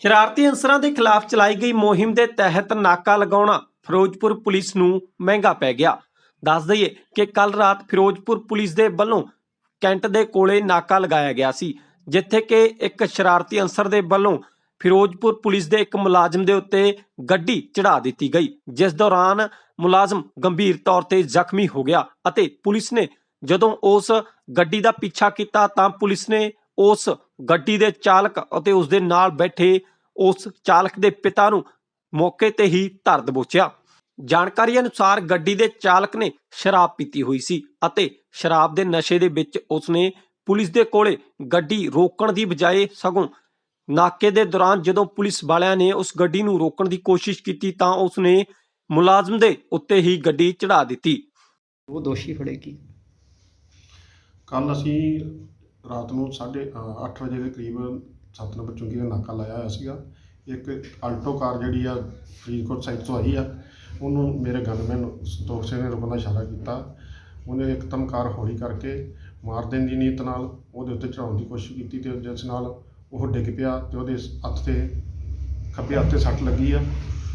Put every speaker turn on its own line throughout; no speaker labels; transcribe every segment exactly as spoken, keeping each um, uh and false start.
ਸ਼ਰਾਰਤੀ ਅਨਸਰਾਂ ਦੇ ਖਿਲਾਫ ਚਲਾਈ ਗਈ ਮੁਹਿੰਮ ਦੇ ਤਹਿਤ ਨਾਕਾ ਲਗਾਉਣਾ ਫਿਰੋਜ਼ਪੁਰ ਪੁਲਿਸ ਨੂੰ ਮਹਿੰਗਾ ਪੈ ਗਿਆ। ਦੱਸ ਦਈਏ ਕਿ ਕੱਲ ਰਾਤ ਫਿਰੋਜ਼ਪੁਰ ਪੁਲਿਸ ਦੇ ਵੱਲੋਂ ਕੈਂਟ ਦੇ ਕੋਲੇ ਨਾਕਾ ਲਗਾਇਆ ਗਿਆ ਸੀ, ਜਿੱਥੇ ਕਿ ਇੱਕ ਸ਼ਰਾਰਤੀ ਅਨਸਰ ਦੇ ਵੱਲੋਂ ਫਿਰੋਜ਼ਪੁਰ ਪੁਲਿਸ ਦੇ ਇੱਕ ਮੁਲਾਜ਼ਮ ਦੇ ਉੱਤੇ ਗੱਡੀ ਚੜਾ ਦਿੱਤੀ ਗਈ, ਜਿਸ ਦੌਰਾਨ ਮੁਲਾਜ਼ਮ ਗੰਭੀਰ ਤੌਰ ਤੇ ਜ਼ਖਮੀ ਹੋ ਗਿਆ ਅਤੇ ਪੁਲਿਸ ਨੇ ਜਦੋਂ ਉਸ ਗੱਡੀ ਦਾ ਪਿੱਛਾ ਕੀਤਾ ਤਾਂ ਪੁਲਿਸ ਨੇ ਉਸ ਗੱਡੀ ਦੇ ਚਾਲਕ ਅਤੇ ਉਸ ਦੇ ਨਾਲ ਬੈਠੇ ਉਸ ਚਾਲਕ ਦੇ ਪਿਤਾ ਨੂੰ ਮੌਕੇ ਤੇ ਹੀ ਧਰ ਦਬੋਚਿਆ। ਜਾਣਕਾਰੀ ਅਨੁਸਾਰ ਗੱਡੀ ਦੇ ਚਾਲਕ ਨੇ ਸ਼ਰਾਬ ਪੀਤੀ ਹੋਈ ਸੀ ਅਤੇ ਸ਼ਰਾਬ ਦੇ ਨਸ਼ੇ ਦੇ ਵਿੱਚ ਉਸਨੇ ਪੁਲਿਸ ਦੇ ਕੋਲੇ ਗੱਡੀ ਰੋਕਣ ਦੀ ਬਜਾਏ ਸਗੋਂ ਨਾਕੇ ਦੇ ਦੌਰਾਨ ਜਦੋਂ ਪੁਲਿਸ ਵਾਲਿਆਂ ਨੇ ਉਸ ਗੱਡੀ ਨੂੰ ਰੋਕਣ ਦੀ ਕੋਸ਼ਿਸ਼ ਕੀਤੀ ਤਾਂ ਉਸਨੇ ਮੁਲਾਜ਼ਮ ਦੇ ਉੱਤੇ ਹੀ ਗੱਡੀ ਚੜਾ ਦਿੱਤੀ।
ਉਹ ਦੋਸ਼ੀ ਫੜੇਗੀ।
ਕੱਲ ਅਸੀਂ ਰਾਤ ਨੂੰ ਸਾਢੇ ਅੱਠ ਵਜੇ ਦੇ ਕਰੀਬ ਸੱਤ ਨੰਬਰ ਚੁੰਗੀ ਦਾ ਨਾਕਾ ਲਾਇਆ ਹੋਇਆ ਸੀਗਾ। ਇੱਕ ਆਲਟੋ ਕਾਰ ਜਿਹੜੀ ਆ ਫਰੀਦਕੋਟ ਸਾਈਡ ਤੋਂ ਆਈ ਆ, ਉਹਨੂੰ ਮੇਰੇ ਗਨਮੈਨ ਸੰਤੋਖ ਸਿੰਘ ਨੇ ਰੁਕਣ ਦਾ ਇਸ਼ਾਰਾ ਕੀਤਾ। ਉਹਨੇ ਇੱਕਦਮ ਕਾਰ ਹੌਲੀ ਕਰਕੇ ਮਾਰ ਦੇਣ ਦੀ ਨੀਅਤ ਨਾਲ ਉਹਦੇ ਉੱਤੇ ਚੜਾਉਣ ਦੀ ਕੋਸ਼ਿਸ਼ ਕੀਤੀ ਤੇ ਜਿਸ ਨਾਲ ਉਹ ਡਿੱਗ ਪਿਆ ਤੇ ਉਹਦੇ ਹੱਥ ਤੇ ਖੱਬੇ ਹੱਥ ਤੇ ਸੱਟ ਲੱਗੀ ਆ,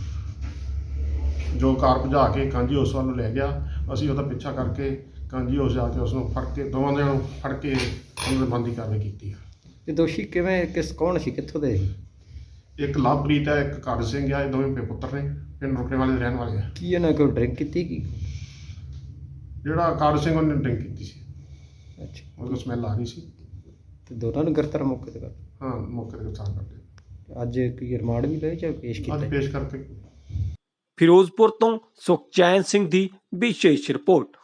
ਜੋ ਕਾਰ ਭਜਾ ਕੇ ਕਾਂਜੀ ਹਾਊਸ ਵੱਲ ਨੂੰ ਲੈ ਗਿਆ। ਅਸੀਂ ਉਹਦਾ ਪਿੱਛਾ ਕਰਕੇ ਕਾਂਜੀ ਹਾਊਸ ਜਾ ਕੇ ਉਸ ਨੂੰ ਫੜ ਕੇ ਦੋਵਾਂ ਜਣਿਆਂ ਨੂੰ ਫੜ ਕੇ ਉਹਨਾਂ ਦੇ ਬੰਦੀ ਕਾਰਵਾਈ ਕੀਤੀ ਆ।
ਇਹ ਦੋਸ਼ੀ ਕਿਵੇਂ ਕਿਸ ਕੌਣ ਸੀ, ਕਿੱਥੋਂ ਦੇ ਸੀ?
ਇੱਕ ਲਵਪ੍ਰੀਤ ਹੈ, ਇੱਕ ਕਾਰਜ ਸਿੰਘ ਆ। ਇਹ ਦੋਵੇਂ ਪੇ ਪੁੱਤਰ ਨੇ, ਪਿੰਡ ਰੁਕਣੇ ਵਾਲੇ ਦੇ ਰਹਿਣ ਵਾਲੇ ਆ।
ਕੀ ਇਹਨਾਂ ਕੋਲ ਡਰਿੰਕ ਕੀਤੀ ਕੀ?
ਜਿਹੜਾ ਕਾਰਜ ਸਿੰਘ ਉਹਨੇ ਡਰਿੰਕ ਕੀਤੀ ਸੀ,
ਅੱਛਾ,
ਉਹਨੂੰ ਸਮੈਲ ਆ ਰਹੀ ਸੀ।
ਤੇ ਦੋਨਾਂ ਨੂੰ ਗ੍ਰਿਫਤਾਰ ਮੌਕੇ ਤੇ ਕਰ
ਹਾਂ, ਮੌਕੇ ਤੇ ਗ੍ਰਿਫਤਾਰ ਕਰਦੇ।
ਅੱਜ ਕੀ ਰਿਮਾਂਡ ਵੀ ਲਏ ਜਾਂ ਪੇਸ਼ ਕੀਤਾ?
ਅੱਜ ਪੇਸ਼ ਕਰਕੇ।
ਫਿਰੋਜ਼ਪੁਰ ਤੋਂ ਸੁਖਚੈਨ ਸਿੰਘ ਦੀ ਵਿਸ਼ੇਸ਼ ਰਿਪੋਰਟ।